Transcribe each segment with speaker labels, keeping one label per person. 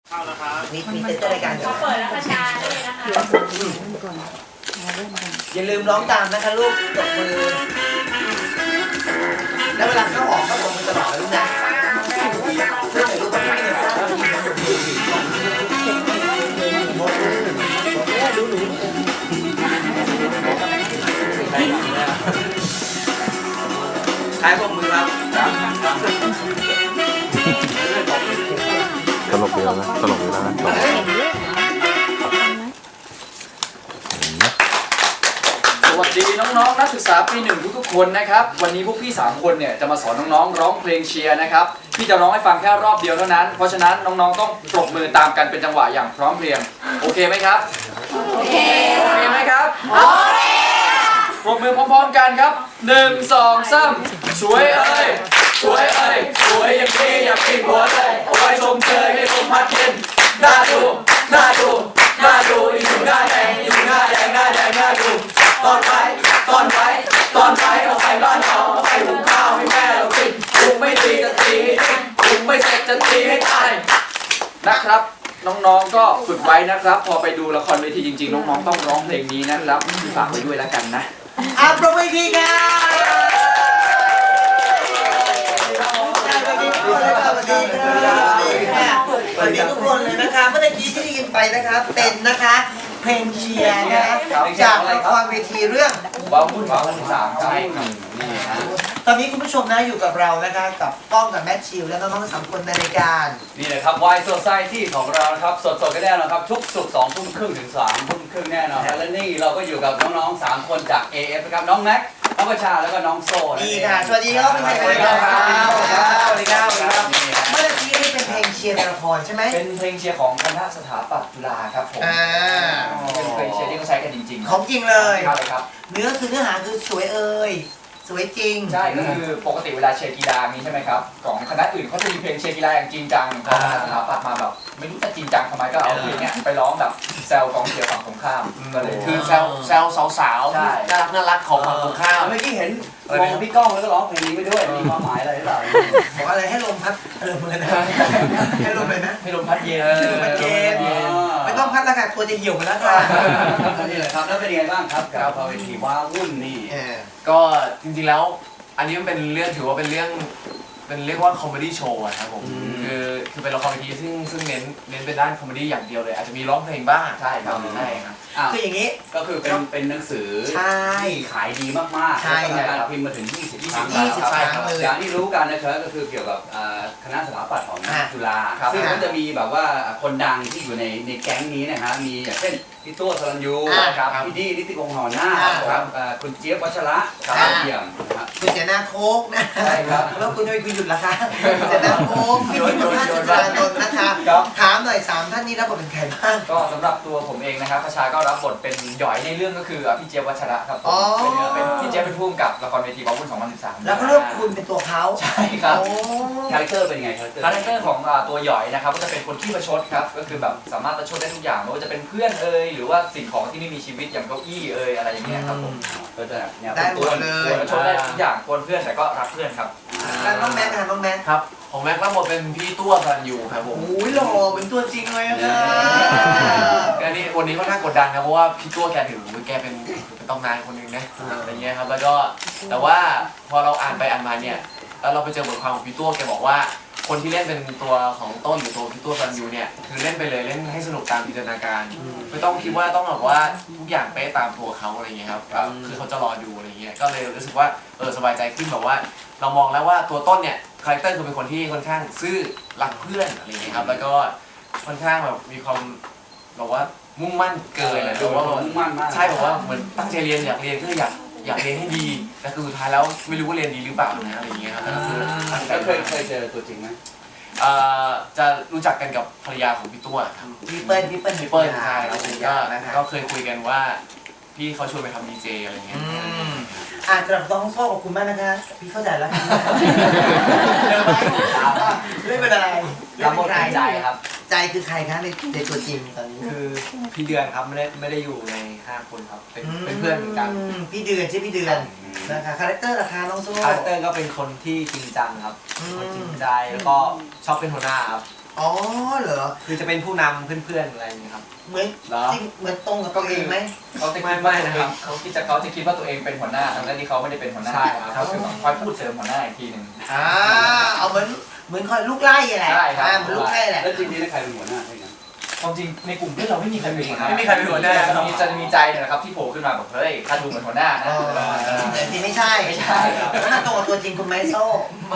Speaker 1: มีเต้นรายการ
Speaker 2: ขอเปิดแล้วคชาด้วยนะคะ
Speaker 1: อย่าลืมร้องตามนะคะลูกตบมือแล้วเวลาเข้าออกก็ตบมือตลอดนะลูกนะเพื่อให้ลูกไม่ได้ใช้ปมมือครับ
Speaker 3: ตลกดีแล้วนะตลกดีแล้วนะ
Speaker 4: สวัสดีน้องๆนักศึกษาปี 1ทุกๆคนนะครับวันนี้พวกพี่3คนเนี่ยจะมาสอนน้องๆร้องเพลงเชียร์นะครับพี่จะร้องให้ฟังแค่รอบเดียวเท่านั้นเพราะฉะนั้นน้องๆต้องปรบมือตามกันเป็นจังหวะอย่างพร้อมเพรียงโอเคไหมครับโอเคไหมครับโอเคปรบมือพร้อมๆกันครับ1 2 3สวยเอ้ยสวยเอ้ยสวยอย่างพี่อยากกินหัวเลยเอาไว้ชมเชยให้ลมพัดเย็นน่าดูน่าดูน่าดูอีกหนึ่งหน้าแดงอีกหนึ่งหน้าแดงหน้าแดงน่าดูตอนไปเอาไฟบ้านเอาไฟหุงข้าวให้แม่เรากินหุงไม่ตีจะตีให้ดิ้นหุงไม่เสร็จจะตีให้ตายนะครับน้องๆก็ฝึกไว้นะครับพอไปดูละครเวทีจริงๆน้องๆต้องร้องเพลงนี้นะครับฝากไว้ด้วยแล้วกันนะ
Speaker 1: ปรบมือทีครับสวัสดีทุกคนเลยนะคะเมื่อกี้ที่ได้ยินไปนะคะเป็นนะคะเพลงเชียร์นะคะจากละครเวทีเรื่อง
Speaker 4: ว้าววุ่น3ใช่ครับ
Speaker 1: ตอนนี้คุณผู้ชมนะอยู่กับเรานะคะกับก้องกับแมทชิวและน้องๆ3 คนในรายการ
Speaker 5: นี่เลยครับ Y Society ของเราครับสดๆกันแน่นอนครับทุกศุกร์2 ทุ่มครึ่งถึง3 ทุ่มครึ่งแน่นอนและนี่เราก็อยู่กับน้องๆ3 คนจาก AF นะครับน้องแม็กน้องประชาแล้วก็น้องโซ่
Speaker 1: นี่ค่ะสวัสดีครับสวัสดีครับสวัสดีครับเมื่อกี้นี่เป็นเพลงเชียร์ในละครใช่ไหม
Speaker 4: เป็นเพลงเชียร์ของคณะสถาปัตย์จุฬาครับผมเป็นเพลงเชียร์ที่เขาใช้กันจริงๆ
Speaker 1: ของจริงเลย
Speaker 4: ครับ
Speaker 1: เนื้อหาคือสวยเอ่ยสวยจริง
Speaker 4: ใช่ก็คือปกติเวลาเชียร์กีฬานี้ใช่ไหมครับของคณะอื่นเขาจะมีเพลงเชียร์กีฬาอย่างจริงจังของคณะสถาปัตย์มาแบบไม่รู้จะจริงจังทำไมก็เอาเพลงเนี้ยไปร้องแบบแซวกองเชียร์ฝั่งตรงข้ามก็เลย
Speaker 6: คือแซวสาวๆน่ารักของฝั่งตรงข้าม
Speaker 5: เมื่อกี้เห็นมองพี่ก้องแล้วก็ร้องเพลงนี้ไปด้วยมีความหมายอะไรหรือเปล่า
Speaker 1: บอกอะไรให้ลมพัดลมเลยนะให้ลมเลยนะ
Speaker 4: ให้ลมพัดเย็น
Speaker 1: ไม่ต้องพัดแล้วค่ะตัวจะเหี่ยวหมดแล้วค่ะ
Speaker 5: นี่แหละครับแล้วเป็นยังไงบ้างครับกับเวทีว้าวุ่นนี่
Speaker 6: ก็จริงๆแล้วอันนี้มันเป็นเรื่องถือว่าเป็นเรื่องเป็นเรียกว่าคอมเมดี้โชว์ครับผมคือเป็นละครเวทีซึ่งเน้นเป็นด้านคอมเมดี้อย่างเดียวเลยอาจจะมีร้องเพลงบ้าง
Speaker 4: ใช่ครับ
Speaker 1: คืออย่างนี้
Speaker 5: ก็คือเป็นหนังสือที่ขายดีมากๆ
Speaker 1: ใช่
Speaker 5: การพิมพ์มาถึง20 ครั้งเลยอย่างที่รู้กันนะครับก็คือเกี่ยวกับคณะสถาปัตย์ของจุฬาซึ่งก็จะมีแบบว่าคนดังที่อยู่ในแก๊งนี้นะฮะมีอย่างเช่นพี่ตัวสรัญยูพี่ดีนิติพงษ์หอหน้าครับคุณเจี๊ยบวัชระเอี่ยม
Speaker 1: คุณเจนาโคกนะ
Speaker 5: ใช่ครับ
Speaker 1: แล้วคุณจะไปคุยหยุดละคะเจนาโคกพี่พิมพ์จุฬาโดนนะคะถามหน่อย3 ท่านนี้รับบทเป็นใครบ้าง
Speaker 4: ก็สำหรับตัวผมเองนะครับประชาก็รับบทเป็นหยอยในเรื่องก็คือพี่เจี๊ยบวัชระครับเป็นพี่เจี๊ยบเป็นผู้กำกับละครเวทีว้าวุ่น2013
Speaker 1: แล้วก็เลือกคุณเป็นตัวเขา
Speaker 4: ใช่ครับ
Speaker 5: คาแรคเตอร์เป็นไงคาแรคเตอร์
Speaker 4: ของตัวหยอยนะครับก็จะเป็นคนขี้ประชดครับก็คือแบบสามารถประชดได้ทุกอย่างไม่ว่าจะเป็นเพื่อนหรือว่าสิ่งของที่ไม่มีชีวิตอย่างเก้าอี้อะไรอย่างเงี้ยครับผม
Speaker 5: ก็จะเนี่ย
Speaker 1: ได้หมดเลย
Speaker 4: ประชดได้ทุกอย่างกวนเพื่อนแต่ก็รักเพื่อนครับ
Speaker 1: แล้วน้องแม็กค่ะน้องแม็ก
Speaker 6: ครับของแม็กรับบทเป็นพี่ตัวสรัญยูครับผม
Speaker 1: โอ้ยหล่อเป็นตัวจริงเลยนะ
Speaker 6: อันนี้วันนี้ค่อนข้างกดดันครับเพราะว่าพี่ตัวแกถือแกเป็นตำนานคนหนึ่งนะอะไรเงี้ยครับแล้วก็แต่ว่าพอเราอ่านไปอ่านมาเนี่ยแล้วเราไปเจอบทความของพี่ตัวแกบอกว่าคนที่เล่นเป็นตัวของต้นหรือตัวพี่ตัวสรัญยูเนี่ยคือเล่นไปเลยเล่นให้สนุกตามจินตนาการไม่ต้องคิดว่าต้องแบบว่าทุกอย่างเป๊ะตามตัวเขาอะไรเงี้ยครับคือเขาจะรอดูอะไรเงี้ยก็เลยรู้สึกว่าสบายใจขึ้นแบบว่าเรามองแล้วว่าตัวต้นเนี่ยคาแรคเตอร์คือเป็นคนที่ค่อนข้างซื่อรักเพื่อนอะไรเงี้ยครับแล้วก็ค่อนข้างแบบมีความแบบว่ามุ่งมั่นเกินดูว่า
Speaker 5: มุ่งมั่นมาก
Speaker 6: ใช่บอกว่าเหมือนตั้งใจเรียนอยากเรียนก็อยากเรียนให้ดีแต่คือสุดท้ายแล้วไม่รู้ว่าเรียนดีหรือเปล่านะอะไรเงี้ยครับก็คือ
Speaker 5: แล้วเคยเจอตัวจริงไหม
Speaker 6: จะรู้จักกันกับภรรยาของพี่ตัวครับ
Speaker 1: พี่เปิ้ล
Speaker 6: ใช่แล้วก็เคยคุยกันว่าพี่เขาชวนไปทำดีเจอะไรเงี้ย
Speaker 1: สำหรับน้องโซ่ขอบคุณมากนะคะพี่เข้าใจแล้วไม่เป็นไร
Speaker 4: รับบทเป็นใจครับ
Speaker 1: ใจคือใครคะในตัวจริงตอนนี้
Speaker 4: คือพี่เดือนครับไม่ได้อยู่ใน5 คนครับเป็นเพื่อนเหมือนกัน
Speaker 1: พี่เดือนใช่พี่เดือนนะคะคาแรคเตอร์ราคาน้องโซ่
Speaker 4: คาแรคเตอร์ก็เป็นคนที่จริงจังครับคนจริงใจแล้วก็ชอบเป็นหัวหน้าครับ
Speaker 1: อ๋อเหรอ
Speaker 6: คือจะเป็นผู้นำเพื่อนๆอะไรอย่างเงี้ยครับ
Speaker 1: เหมือน
Speaker 6: เหรอ
Speaker 1: จริงเหมือนตรงกับตัวเองไหม
Speaker 4: เขาจะคิด
Speaker 6: ไม่
Speaker 4: ว่า
Speaker 6: นะครับ
Speaker 4: เขาคิดว่าตัวเองเป็นหัวหน้าทั้งที่เขาไม่ได้เป็นหัวหน้า
Speaker 6: ใช่ครับ
Speaker 4: เขาคือต้องคอยพูดเสริมหัวหน้าอีกทีหนึ่ง
Speaker 1: เอาเหมือนคอยลูกไล่แหละ
Speaker 4: ใช่ครับ
Speaker 1: เหมือนลูกไล่แหละ
Speaker 5: แล้วจริงๆใครเป็นหัวหน้าใช่ไหม
Speaker 4: ความจริงในกลุ่มเพื่อนเราไม่มีใครเป็นหัวหน้า
Speaker 6: ไม่มีใครเป็นหัวหน้า
Speaker 4: จะมีใจเนี่ยนะครับที่โผล่ขึ้นมาบอกเฮ้ยข้าดูเหมือนหัวหน้านะ
Speaker 1: แต่จริงไม่ใช่
Speaker 4: ไม่ใช่
Speaker 1: ถ้าตรงกับตัวจริงคุณไมโซ่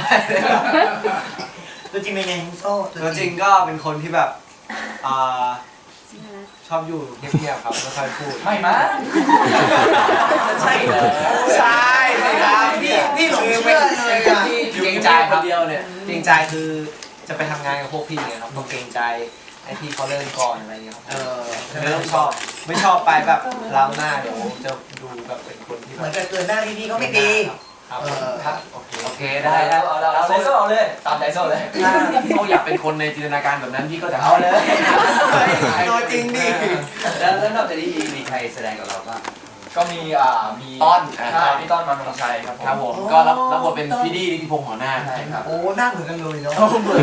Speaker 1: ตัวจริงเป็นไงคุณโซ่
Speaker 6: ตัวจริงก็เป็นคนที่แบบอ่าชอบอยู่เงียบๆครับไม่ค่อยพูด
Speaker 4: ไม่มั้งใช่เหรอ
Speaker 6: ใช่เลยครับ
Speaker 1: พี่หลงเชื่อเลยอ่ะ
Speaker 6: เกรงใจคนเดียวเนี่ยเกรงใจคือจะไปทำงานกับพวกพี่เนี่ยครับต้องเกรงใจให้พี่เขาเริ่มก่อนอะไรเงี้ยครับเริ่มชอบไม่ชอบไปแบบล้ำหน้าเดี๋ยวจะดูแบบเป็นคนที่
Speaker 1: เห
Speaker 6: แบ
Speaker 1: มือบ นกับเกินหน้าพี่ๆก็ไม่ดี
Speaker 6: ครับ
Speaker 4: ครับ
Speaker 6: โอเค
Speaker 4: ได้
Speaker 6: ได้
Speaker 4: แล้
Speaker 6: แล้ว ว
Speaker 4: เอาใจโซ่เอาเลยตามใจโซ่เลย
Speaker 6: ถ้าเขาอยากเป็นคนในจินตนาการแบบนั้นพี่ก็จะ
Speaker 4: เอาเลย
Speaker 1: ตัวจริงดิ
Speaker 5: แล้วนอกจากนี้มีใครแสดงกับเราบ้าง
Speaker 4: ก็มีมี
Speaker 6: ต้น
Speaker 4: ใช่พี่ต้นมานงชัยครับ
Speaker 6: ครับผมก็รับบทเป็นพี่ดีนิติพงษ์หัวหน้า
Speaker 4: ใช่ครับ
Speaker 1: โอ้หน้าเหมือนกันเลยเนาะ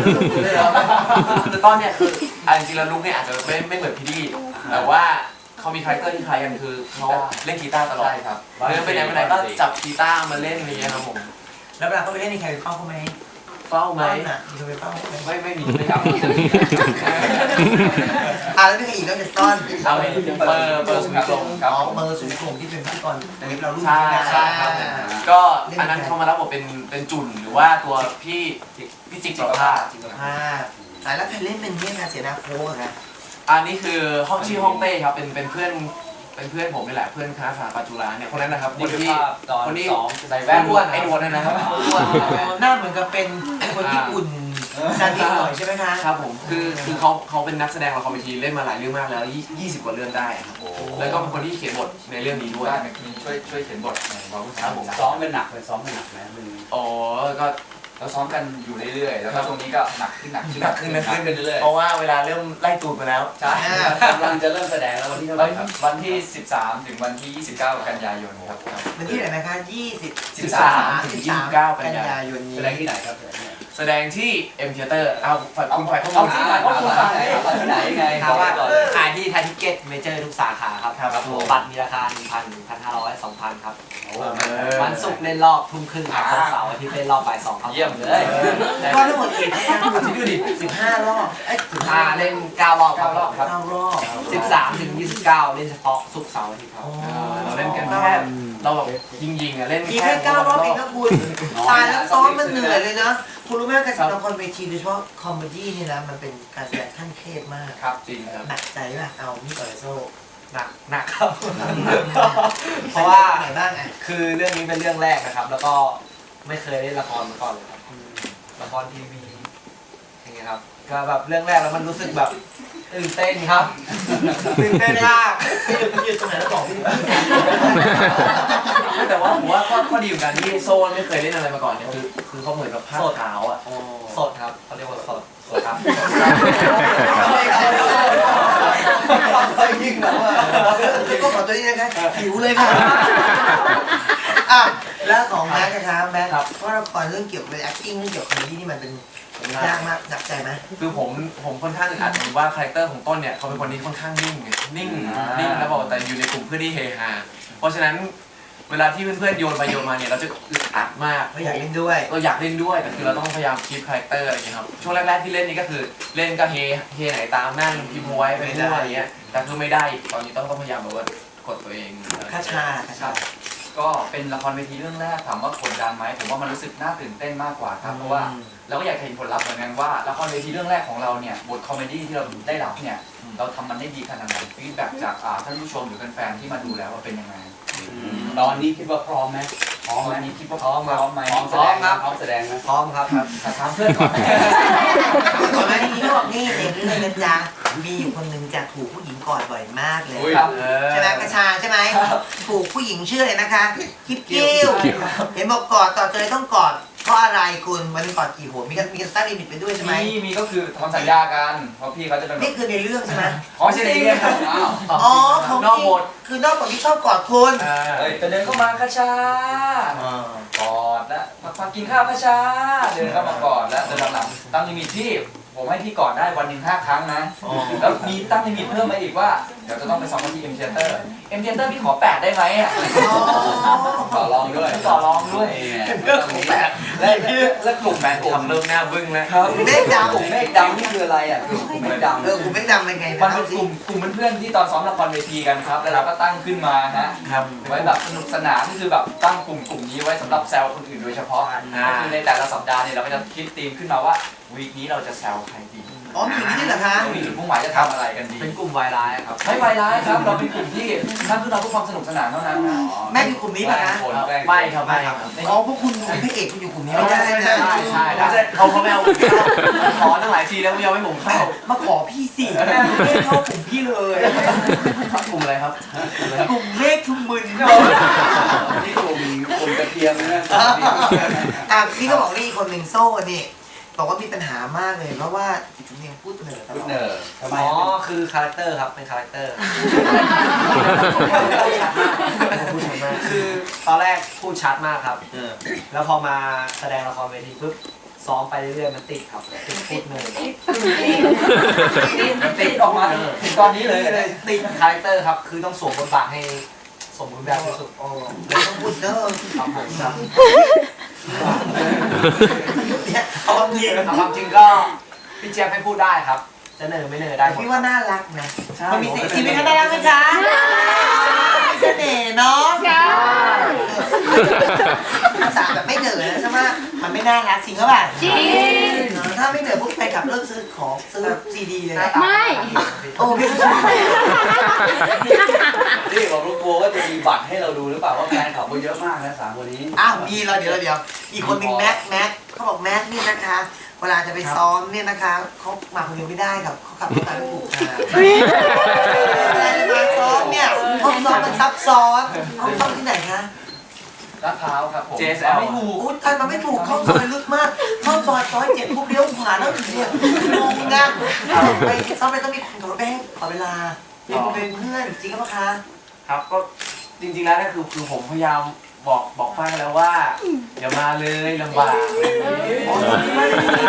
Speaker 6: คือต้นเนี่ยคือจริงๆแล้วลุกเนี่ยอาจจะไม่เหมือนพี่ดีแต่ว่าเขามีคาแรคเตอร์ที่คล้ายกันคือเขาเล่นกีตาร์ตลอด
Speaker 4: ใช่ครับ
Speaker 6: เดินไปไหนมาไหนก็จับกีตาร์มาเล่นอะไรอย่างเงี้ยครับผม
Speaker 1: แล้วเวลาเขาไปเล่นในใครเฝ้าเขาไหม
Speaker 6: เฝ้าไหม
Speaker 1: น่ะมีคนไปเฝ้าเขาไหม
Speaker 6: ไม่มีไม่ครับ
Speaker 1: แล้วมีใครอีกนอกจากต้น
Speaker 6: เอาเปิดสุนิทง
Speaker 1: อ๋อเบอร์สูงส่งที่เป็นพิธีกรในเว็บเรารุ่น
Speaker 6: ใช่
Speaker 1: นี้นะ
Speaker 6: ใช่ครับก็อันนั้นเขามารับบทเป็นจุนหรือว่าตัวพี่จิกจิกภาพ
Speaker 1: แล้วใครเล่นเป็นเนี่ยนะเสียนาโค้กอะ
Speaker 6: อันนี้คือห้องชื่อห้องเต้ครับเป็นเพื่อนผมนี่แหละเพื่อนคณะสถาปัตย์จุฬาเนี่ยคนนั้นนะครับคนที่คนนี้
Speaker 4: ใส่แว่น
Speaker 6: อ้วนไอ้หนวดนั่นนะครับอ้วน
Speaker 1: หน้าเหมือนกับเป็นคนญี่ปุ่นซาดิสหน่อยใช่ไหมคะ
Speaker 6: ครับผมคือเขาเป็นนักแสดงละครเวทีเล่นมาหลายเรื่องมากแล้ว20 กว่าเรื่องได้ครับแล้วก็เป็นคนที่เขียนบทในเรื่องนี้ด้วย
Speaker 4: ได้ไหมมีช่วยเขียนบทในวารุษ
Speaker 6: ครับผม
Speaker 5: ซ้อมเป็นหนักเลยซ้อมเป็นหนักไหมมึง
Speaker 6: อ๋อก็
Speaker 4: เราซ้อมกันอยู่เรื่อยๆแล้วก็ตรงนี้ก็หนักขึ้นเป็นเรื่อย
Speaker 6: เพราะว่าเวลาเริ่มไล่ตูดมาแล้ว
Speaker 4: ๆใช่
Speaker 5: กำลังจะเริ่มแสดงแล้ววันที่เท่าไหร่ครับ
Speaker 4: วันที่ 13 ถึงวันที่ 29 กันยายนครับ
Speaker 1: เป็นที่ไหนนะคะ
Speaker 6: 13 ถึง 29 กันยายน
Speaker 1: นี้
Speaker 5: แสดงที่ไหนครับ
Speaker 6: แสดงที่ M Theater เอาฝ่ายคุณฝ่ายข้อมู
Speaker 4: เอา
Speaker 6: ล
Speaker 4: ที่ไหนว่าคุณฟังไหน
Speaker 5: ที่ไหนไง
Speaker 7: ถามว่า
Speaker 5: ก่อน
Speaker 7: ขายที่ไทยทิเก็ตเมเจอร์ทุกสาขาครับบัตรมีราคา 1,000 1,500 2,000 ครับ วันศุกร์เล่นรอบทุ่มครึ่งครับวันเสาร์อาทิตย์เล่นรอบบ่าย2ครับ
Speaker 4: เยี่ยมเลย
Speaker 1: ก็ทั้งหมดกี่ที่นะ
Speaker 6: ที่ดูดิ
Speaker 1: 15 รอบ
Speaker 7: เล่น9 รอบครับ
Speaker 4: 9 รอบครับ
Speaker 1: 9 รอบ
Speaker 7: 13 ถึง 29 เล่นเฉพาะศุกร์เสาร์อาทิตย์ครับ
Speaker 6: เราเล่นกันแค่เราแบบยิงอ่ะเล่น
Speaker 1: มีแค่9 รอบเองนะคุณตายแล้วซ้อมมันเหนื่อยเลยนะคุณรู้ไหมการแสดงละครเวทีโดยเฉพาะคอมเมดี้นี่นะมันเป็นการแสดงขั้นเทพมาก
Speaker 4: ครับจริงครับ
Speaker 1: หนักใจป่ะเอานี่ก่อนเลยโซ่
Speaker 7: หนักครับ
Speaker 1: เพราะว่าไหนบ้างอ่ะ
Speaker 7: คือเรื่องนี้เป็นเรื่องแรกนะครับ แล้วก็ไม่เคยเล่นละครมาก่อนเลยครับละครทีวีอย่างเงี้ยครับก็แบบเรื่องแรกแล้วมันรู้สึกแบบตื่นเต้นครับตื่นเต้นมาก
Speaker 1: ยืนตรงไหนแล้วบอกพี่
Speaker 6: แต่ว่าผมว่าข้อดีของการที่โซนไม่เคยเล่นอะไรมาก่อนเนี่ยคือเขาเหมือนแบบภาพขาวอ่ะ
Speaker 7: สดครับเขาเรียกว่าสดครับ
Speaker 1: ยิ่งแล้วอ่ะก็ขอตัวนี้นะคะหิวเลยค่ะอ่ะแล้วของแม็กซ์นะคะแม็กซ์เพราะละครเรื่องเกี่ยวกับ acting เรื่องเกี่ยวกับคอมเมดี้นี่มันเป็นยากมากหนักใจไหม
Speaker 6: คือผมค่อนข้างอาจจะว่าคาแรคเตอร์ของต้นเนี่ยเขาเป็นคนที่ค่อนข้างนิ่งนิ่งแล้วบอกแต่อยู่ในกลุ่มเพื่อนที่เฮฮาเพราะฉะนั้นเวลาที่เพื่อนๆโยนไปโยนมาเนี่ยเราจะอึดอัดมาก
Speaker 1: ไม่อยากเล่นด้วย
Speaker 6: เราอยากเล่นด้วยแต่คือเราต้องพยายามคีปคาแรคเตอร์อะไรอย่างเงี้ยครับช่วงแรกๆที่เล่นนี่ก็คือเล่นก็เฮไหนตามนั่งพิมพ์ไว้ไปเรื่อยอะไรเงี้ยแต่คือไม่ได้ตอนนี้ต้องพยายามแบบว่ากดตัวเอง
Speaker 1: คาชา
Speaker 4: ก็เป็นละครเวทีเรื่องแรกถามว่ากดดันไหมผมว่ามันรู้สึกน่าตื่นเต้นมากกว่าครับเพราะว่าเราก็อยากเห็นผลลัพธ์เหมือนกันว่าละครเวทีเรื่องแรกของเราเนี่ยบทคอมเมดี้ที่เราได้รับเนี่ยเราทำมันได้ดีขนาดไหนฟีดแบ็กจากท่านผู้ชมหรือแฟนๆที่มาดูแล้วว่าเป็นยังไง
Speaker 5: ตอนนี้คิดว่าพร้อมไหม
Speaker 4: พร้อมไหมนี่คิดว่าพร้อมไหม
Speaker 5: พร้อมแสดงครับพร้อมแสดงนะ
Speaker 7: พร้อมครับ
Speaker 4: ถามเพื่อนก่อนไหม
Speaker 1: ก่อนหน้านี้เขาบอกนี่เด็กนี่เลยนะจ๊ะมีอยู่คนหนึ่งจะถูกผู้หญิงกอดบ่อยมากเลย
Speaker 4: ครับ
Speaker 1: ใช่ไหมคาชาใช่ไหมถูกผู้หญิงชื่ออะไรนะคะกิ๊บกิ้วเห็นบอกกอดต่อเจอต้องกอดเพราะอะไรคุณมันกอดกี่หัวมีการตั้งลิมิตไปด้วยใช่ไหม
Speaker 4: มีก็คือทำสัญญากันเพราะพี่เขาจะเป็น
Speaker 1: นี่คือในเรื่องใช่ไหม
Speaker 4: อ๋อใช่ในเรื่องอ้าว
Speaker 1: อ๋อของ
Speaker 6: นอกบท
Speaker 1: คือนอกบทที่ชอบกอดคุณ
Speaker 4: เฮ้ยแต่เดินเข้ามาคาชากอดแล้วพักกินข้าวคาชาเดินเข้ามากอดแล้วแต่หลังๆตั้งลิมิตที่ผมให้พี่ก่อนได้วันหนึ่ง5 ครั้งนะแล้วมีตั้งลิมิตเพิ่มมาอีกว่าเดี๋ยวจะต้องไปซ้อมกันที่ M Theater M Theater พี่ขอ8ได้ไหมอ่ะ
Speaker 5: ต่อรองด้วย
Speaker 4: ต่อรองด้วย
Speaker 5: เรื่องของแปดและกลุ่มแบนด์
Speaker 6: ทำเริ่มหน้าบึ้งแล้ว
Speaker 4: ครับ
Speaker 1: เมฆดำ
Speaker 5: กลุ่มเมฆดำนี่คืออะไรอ่ะกลุ่มเมฆดำ
Speaker 1: กูเมฆดำเป็นไง
Speaker 4: มัน
Speaker 1: นะ
Speaker 4: เป็นกลุ่มเพื่อนๆที่ตอนซ้อมละครเวทีกันครับแล้วเราก็ตั้งขึ้นมาฮะ
Speaker 6: ครับ
Speaker 4: ไว้แบบสนุกสนานก็คือแบบตั้งกลุ่มนี้ไว้สำหรับแซวคนอื่นโดยเฉพาะก็คือในแต่ละสัปดาห์เนี่ยเราก็จะคิดธีมขึ้นมาว่าวีคนี้เราจะแซวใครดี
Speaker 1: อ๋อมีอย่างนี้เหรอคะ
Speaker 4: เรามีจุดมุ่งหมายจะทำอะไรกันดี
Speaker 6: เป็นกลุ่มวายร้ายครับ
Speaker 4: ไม่ไวร้ายครับเราเป็นกลุ่มที่ตั้งขึ้นมาเพื่อความสนุกสนานเท่านั้นนะ
Speaker 1: แม่อยู่กลุ่มนี้ป่ะนะ
Speaker 6: ไม่ครับไม่ครับ
Speaker 1: อ๋อพวกคุณเป็นพระเอกคุณอยู่กลุ่มนี้ไม่ได้นะ
Speaker 6: ใช่ไม่ใช่เขาไม่เอาขอตั้งหลายทีแล้วไม่ยอมให้ผมเข้า
Speaker 1: มาขอพี่สิไม่เข้ากลุ่มพี่เลย
Speaker 6: กลุ่มอะไรครับ
Speaker 1: กลุ่มเมฆทุมมึน
Speaker 5: นี่กลุ่มกระเทียมนะ
Speaker 1: อ่ะพี่ก็บอกนี่คนหนึ่งโซ่นี่บอกว่ามีปัญหามากเลยเพราะว่าจิตสำเนียงพูดเหนือตล
Speaker 5: ลู
Speaker 1: อก ด
Speaker 5: เนอร์ทำไม
Speaker 7: อ๋อคือคาแรคเตอร์ครับเป็นคาแรคเตอร์คือตอนแรกพูดชัดมากครับแล้วพอมาแสดงละครเวทีปุ๊บซ้อมไปเรื่อยๆมันติดครับติดพูดเนย
Speaker 4: ติดออกมาถึงตอนนี้เลย
Speaker 7: ติดคาแรคเตอร์ครับคือต้องสวมบทบาทให้สมบูรณ์แบบที่สุด
Speaker 1: โอ้เลยต้องพูดเด้อ
Speaker 7: ครับผมครับ
Speaker 1: เนี่ยเอาความจริง
Speaker 7: เอาความจริงก็พี่เจี๊ยบให้พูดได้ครับ จะเนอไม่เนอได้หมด
Speaker 1: พี่ว่าน่ารักนะมันมีสิ่งที่ไม่น่ารักไหมคะมีเสน่ห์เนาะภาษาแบบไม่เหนือนะใช่ไหมมันไม่น่ารักจริงก็แบบจริงถ้าไม่เหนือพวกไปขับเลิกซื้อของซื้อซีดีเลย
Speaker 2: ไม่
Speaker 1: โอ้พี่ผู้ชาย
Speaker 5: นี่บอกลูกโบว่าจะมีบัตรให้เราดูหรือเปล่าว่าแฟนคลับเขาเยอะมากนะ3 คนนี้
Speaker 1: อ้าวมีเราเดี๋ยวอีกคนหนึ่งแม็กเขาบอกแม็กนี่นะคะ เวลาจะไปซ้อมเนี่ยนะคะเขามาคนเดียวไม่ได้ครับเขาขับรถตามไม่ถูกค่ะเวลาจะมาซ้อมเนี่ยห้องซ้อมมันซับซ้อนห้องซ้อมที่ไหนคะ
Speaker 4: ลาดพร้าวครับผม
Speaker 6: JSL
Speaker 4: ไม่ถูก
Speaker 1: อู้ทันมาไม่ถูกเข้าซอยลึกมากเข้าซอย7ปุ๊บเลี้ยวขวาแล้วถึงเนี่ยงงนะไปซ้อมไปต้องมีคนขับรถไปให้ขอเวลาเป็นเพื่อนจริงหรือเปล่าคะ
Speaker 6: ครับก็จริงๆแล้วเนี่ยคือผมพยายามบอกฟ้าแล้วว่าอย่ามาเลยลำบาก
Speaker 1: อ๋อไม่ได้มี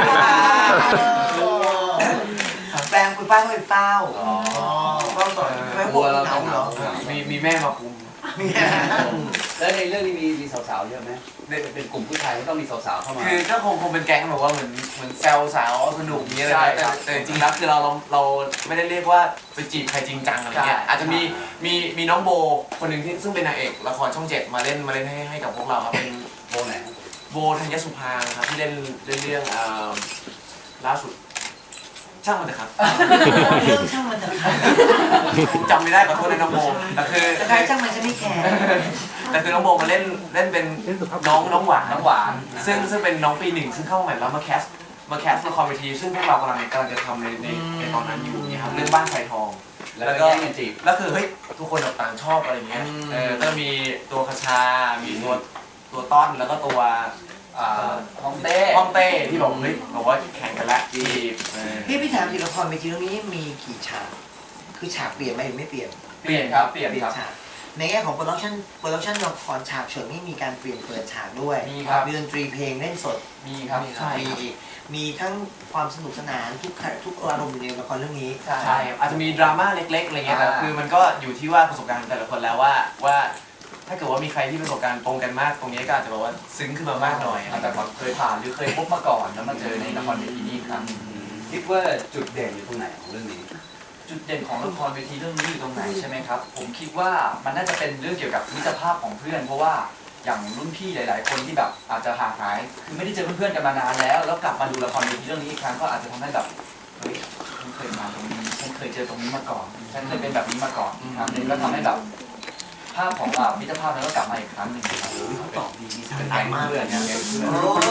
Speaker 1: ค่ะแปลงคุยป้าคุยเป้าก็ต่อไม่พวกเราเหรอ
Speaker 6: มีแม่มาคุม
Speaker 5: แล้วในเรื่องนี้มีสาวๆเยอะไหมเป็นกลุ่มผู้ชายก็ต้องมีสาวๆเข้ามา
Speaker 6: คือก็คงเป็นแก๊งแบบว่าเหมือนแซวสาวสนุกอย่างเงี้ยเลยนะแต่จริงๆแล้วคือเราไม่ได้เรียกว่าไปจีบใครจริงจังอะไรเงี้ยอาจจะมีน้องโบคนหนึ่งที่ซึ่งเป็นนางเอกละครช่อง7มาเล่นให้กับพวกเราครับเป็น
Speaker 5: โบไหน
Speaker 6: โบธัญสุภาครับที่เล่นเรื่องล่าสุดช่างมันเถอะครับ
Speaker 1: เรื่องช่างมันเถอะค่ะ
Speaker 6: จำไม่ได้ขอโทษนะน้องโบแต่คือ
Speaker 1: จะใครช่างมันจะไม่แคร์
Speaker 6: แต่คือน้องโบมาเล่นเป็นน้องหวานซึ่งเป็นน้องปี 1ซึ่งเข้ามาใหม่แล้วมาแคสละครเวทีซึ่งพวกเรากำลังจะทำในตอนนั้นอยู่เนี่ยครับเรื่องบ้านไผ่ทอง
Speaker 5: แล้วก็แย่งกันจีบ
Speaker 6: แล้วคือเฮ้ยทุกคนแบบต่างชอบอะไรเงี้ยก็มีตัวคชา มีตัวต้อนแล้วก็ตัว
Speaker 4: ห้องเต้
Speaker 6: ห้องเต้ที่บอกเฮ้ยบอกว่าแข่งกันละจีบ
Speaker 1: พี่ถามจริงละครเวทีเรื่องนี้มีกี่ฉากคือฉากเปลี่ยนไหมหรือไม่เปลี่ยน
Speaker 4: เปลี่ยนครับเปลี่ยนครับ
Speaker 1: ฉากในแง่ของโปรดักชั่นละครฉากเฉิดนี่มีการเปลี่ยนเปิดฉากด้วย
Speaker 4: มีครับ
Speaker 1: มีดนตรีเพลงเล่นสด
Speaker 4: มีครับ
Speaker 1: มีทั้งความสนุกสนานทุกอารมณ์อยู่ในละครเรื่องนี้
Speaker 6: ใช่อาจจะมีดราม่าเล็กๆอะไรเงี้ยแต่คือมันก็อยู่ที่ว่าประสบการณ์แต่ละคนแล้วว่าถ้าเกิดว่ามีใครที่ประสบการณ์ตรงกันมากตรงนี้ก็อาจจะแบบว่าซึ้งขึ้นมามากหน่อย
Speaker 4: อาจจะแบบเคยผ่านหรือเคยพบมาก่อนแล้วมาเจอในละครเวทีนี้ครับ
Speaker 5: คิดว่าจุดเด่นอยู่ตรงไหนของเรื่องนี้
Speaker 4: จุดเด่นของละครเวทีเรื่องนี้อยู่ตรงไหนใช่ไหมครับผมคิดว่ามันน่าจะเป็นเรื่องเกี่ยวกับมิตรภาพของเพื่อนเพราะว่าอย่างรุ่นพี่หลาย ๆ คนที่แบบอาจจะห่างหายคือไม่ได้เจอเพื่อนๆกันมานานแล้วกลับมาดูละครเวทีเรื่องนี้อีกครั้งก็อาจจะทำให้แบบเฮ้ยฉันเคยมาตรงนี้ฉันเคยเจอตรงนี้มาก่อนฉันเคยเป็นแบบนี้มาก่อนครั้งหนึงก็ทำให้แบบภาพของเรามิตรภาพนั้นก็กลับมาอีกครั้งหนึ่งครับ
Speaker 1: เขาตอบดีมีสา
Speaker 4: เป็น
Speaker 1: ระ
Speaker 4: แก๊ง
Speaker 1: มาก
Speaker 4: เพื่อนเนี่ยแก๊งเพื่อน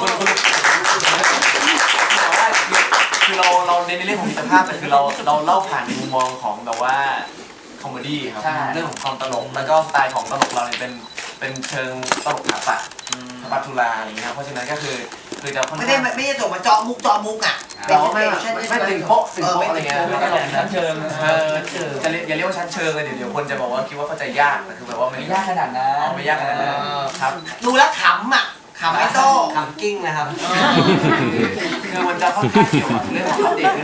Speaker 6: คือเราเน้นในเรื่องของมิตรภาพแต่คือเราเล่าผ่านในมุมมองของแบบว่าคอมเมดี้ครับเรื่องของความตลกแล้วก็สไตล์ของตลกเราเนี่ยเป็นเชิงตลกถาปัดปัทุลาอะไรอย่างเงี้ยเพราะฉะนั้นก็คือจะค่อน
Speaker 1: ไม่
Speaker 6: ข้าง
Speaker 1: ได้จบมาเจาะมุกอ่ะ
Speaker 6: แต่ว่าไม่ถึงโป๊ะอะไรเงี้ย
Speaker 4: ไม่ตลกชั้นเชิง
Speaker 6: จะอย่าเรียกว่าชั้นเชิงเลยเดี๋ยวคนจะบอกว่าคิดว่าเข้าใจยากแต่คือแบบว่า
Speaker 4: ไม่ยากขนาดนั้น
Speaker 6: ไม่ยากขนาดนั้นครับ
Speaker 1: ดูแล้วขำอ่ะขขำไม่โต้
Speaker 7: ขำกิ้งนะครับ
Speaker 6: คือมันจะค่อนข้างเกี่ยวกับเรื่องของอัปเดตด้วยนะ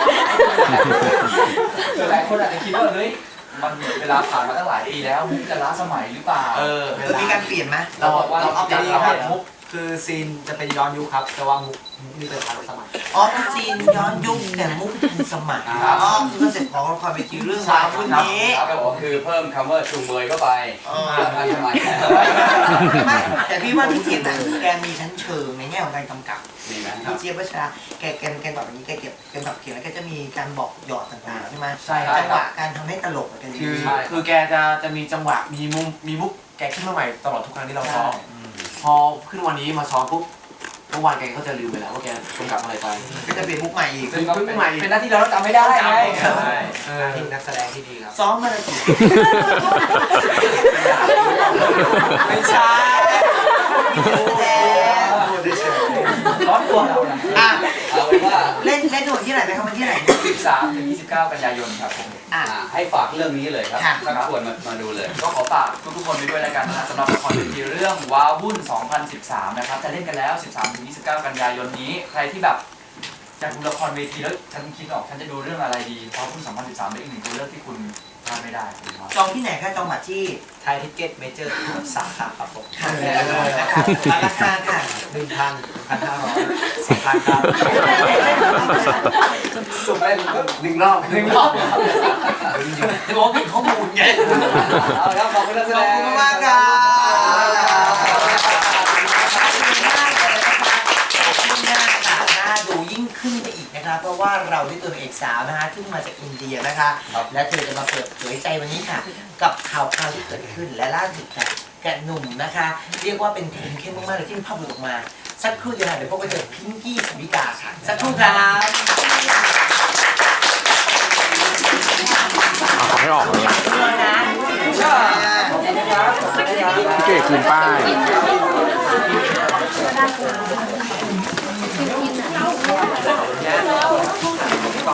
Speaker 4: คือหลายคนอาจจะคิดว่าเฮ้ยมันเวลาผ่านมาตั้งหลายปีแล้วมุกจะล้าสมัยหรือเปล่า
Speaker 1: คือมีการเปลี่ยนไหม
Speaker 6: เราบอกว่า
Speaker 7: เรา
Speaker 6: เรา
Speaker 7: อั
Speaker 6: อั
Speaker 7: ป
Speaker 6: ป
Speaker 7: เด
Speaker 6: เด
Speaker 7: ต
Speaker 6: ต
Speaker 7: ค
Speaker 6: ค
Speaker 7: รั
Speaker 6: รั
Speaker 7: บบ มุกคือซีนจะเป็นย้อนยุคครับแต่ว่ามุกนี่เป็นทันสมัย
Speaker 1: อ๋อจีนย้อนยุคแต่มุกทันสมัยอ๋อคือคอนเซ็ปต์ของละครเวทีเรื่องราวรุ่นนี้
Speaker 5: ก็บอกคือเพิ่มคำว่าจูงเบยเข้าไปทันสมัย
Speaker 1: ไม่แต่พี่ว่าพี่เจี๊ยบน่ะแกมีชั้นเชิงในแง่ของการกำกับ
Speaker 5: ดีไหม
Speaker 1: พี่เจี๊ยบวัชราแกแบบนี้แกเก็บแกแบบเขียนแล้วแกจะมีการบอกหยอดต่างๆใช่ไหม
Speaker 6: ใช่ครับ
Speaker 1: จังหวะการทำให้ตลกกัน
Speaker 6: คือแกจะมีจังหวะมีมุกแกขึ้นมาใหม่ตลอดทุกครั้งที่เราซ้อมพอขึ้นวันนี้มาซ้อมปุ๊บเมื่อวานแกก็จะลืมไปแล้วว่าแกกำกับอะไรไป
Speaker 1: ก็จะเปลี่ยนมุกใหม่อีก
Speaker 6: เป็นมุกใหม่
Speaker 4: เป็นหน้าที่เราต้องจำไม่ได้ไง
Speaker 6: ใช่
Speaker 7: ที่นักแสดงที่ดีครับ
Speaker 1: ซ้อมมาเลยกี่
Speaker 7: ไม่ใช่
Speaker 4: ร้อนตัวเรานะ
Speaker 1: อ่ะ
Speaker 5: เอาเป็นว่า
Speaker 1: เล่นหน่วยที่ไหนไหมครับมันที่ไหน
Speaker 4: 13 ถึง 29 กันยายนครับผม
Speaker 1: อ่ะ
Speaker 5: ให้ฝากเรื่องนี้เลยครับ
Speaker 1: ค่ะ
Speaker 5: ชักชวนมาดูเลย
Speaker 4: ก็ขอฝากทุกๆคนไปด้วยแล้วกันนะสำหรับละครเวทีเรื่องว้าวุ่น 2013 นะครับจะเล่นกันแล้ว 13 ถึง 29 กันยายนนี้ ใครที่แบบอยากดูละครเวทีแล้วฉันคิดออกฉันจะดูเรื่องอะไรดีว้าวุ่น 2013 เป็นอีกหนึ่งตัวเลือกที่คุณพลาดไม่ได้ครับ
Speaker 1: จองที่ไหนคะจองบัตรที่
Speaker 7: ไทยทิเก็ตเมเจอร์สาขาครับผม
Speaker 1: ค่ะนะคะราคาค่ะ
Speaker 7: 1,1,500 10,000ครับ
Speaker 6: สุดได้หนึ่งรอบ
Speaker 1: จะบอกผิดข้อมูลไง
Speaker 7: เอาละครับขอบคุณนักแส
Speaker 1: ข
Speaker 7: ด
Speaker 1: อบ
Speaker 7: ง
Speaker 1: คุณมากครับน่าดูยิ่งขึ้นไปอีกนะคะเพราะว่าเราได้ตัวเอกสาวนะคะซึ่งมาจากอินเดียนะคะ และเธอจะมาเปิดเผยใจวันนี้ค่ะ กับข่าวที่เกิดขึ้นและล่าสุดค่ะแกะหนุ่มนะคะ เรียกว่าเป็นทีมเข้มมากๆเลยที่ภาพหลุดออกมาสักครู่เดียวค่ะเดี๋ยวพวกเราเจอพิงกี้สวิกาค่ะสักครู่ครับ
Speaker 3: เอาไม่ออกเลย
Speaker 1: ด้วยนะ
Speaker 3: พี่เก๋คืนป้าย